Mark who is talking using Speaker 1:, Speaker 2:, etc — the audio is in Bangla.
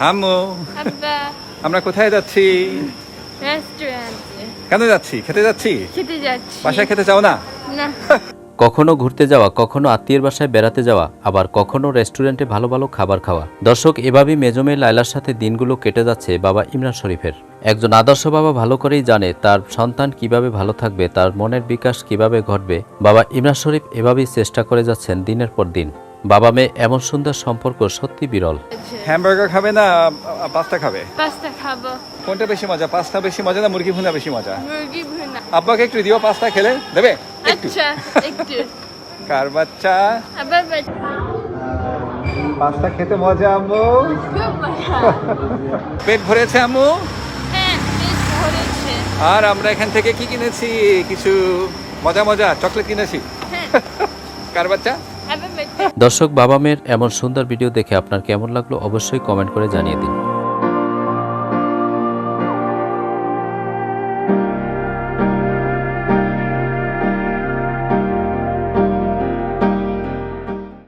Speaker 1: আম্মু
Speaker 2: আব্বা
Speaker 1: আমরা কোথায় যাচ্ছি?
Speaker 2: রেস্টুরেন্টে
Speaker 1: কেন যাচ্ছি? খেতে যাচ্ছি?
Speaker 2: খেতে যাচ্ছি।
Speaker 1: বাসায় খেতে চাও না?
Speaker 2: না,
Speaker 3: কখনো ঘুরতে যাওয়া, কখনো আত্মীয়ের বাসায় বেড়াতে যাওয়া, আবার কখনো রেস্টুরেন্টে ভালো ভালো খাবার খাওয়া। দর্শক, এভাবেই মেজমে লায়লার সাথে দিনগুলো কেটে যাচ্ছে বাবা ইমরান শরীফের। একজন আদর্শ বাবা ভালো করেই জানে তার সন্তান কিভাবে ভালো থাকবে, তার মনের বিকাশ কিভাবে ঘটবে। বাবা ইমরান শরীফ এভাবেই চেষ্টা করে যাচ্ছেন দিনের পর দিন। বাবা মেয়ে এমন সুন্দর সম্পর্ক সত্যি বিরল।
Speaker 1: হ্যামবার্গার খাবে না পাস্তা খাবে?
Speaker 2: পাস্তা খাবো।
Speaker 1: কোনটা বেশি মজা? পাস্তা বেশি মজা না মুরগি ভুনা বেশি মজা?
Speaker 2: মুরগি ভুনা।
Speaker 1: আব্বাকে একটু দিও, পাস্তা খেলে দেবে একটু।
Speaker 2: আচ্ছা, একটু।
Speaker 1: কার বাচ্চা?
Speaker 2: আবার
Speaker 1: পাস্তা খেতে মজা আম্মু?
Speaker 2: খুব মজা।
Speaker 1: পেট ভরেছে আম্মু?
Speaker 2: হ্যাঁ, পেট ভরেছে।
Speaker 1: আর আমরা এখান থেকে কি কিনেছি? কিছু মজা মজা চকলেট কিনেছি।
Speaker 2: হ্যাঁ,
Speaker 1: কার বাচ্চা?
Speaker 2: আবার
Speaker 3: দর্শক, বাবা মেয়ের এমন সুন্দর ভিডিও দেখে আপনার কেমন লাগলো অবশ্যই কমেন্ট করে জানিয়ে দিন।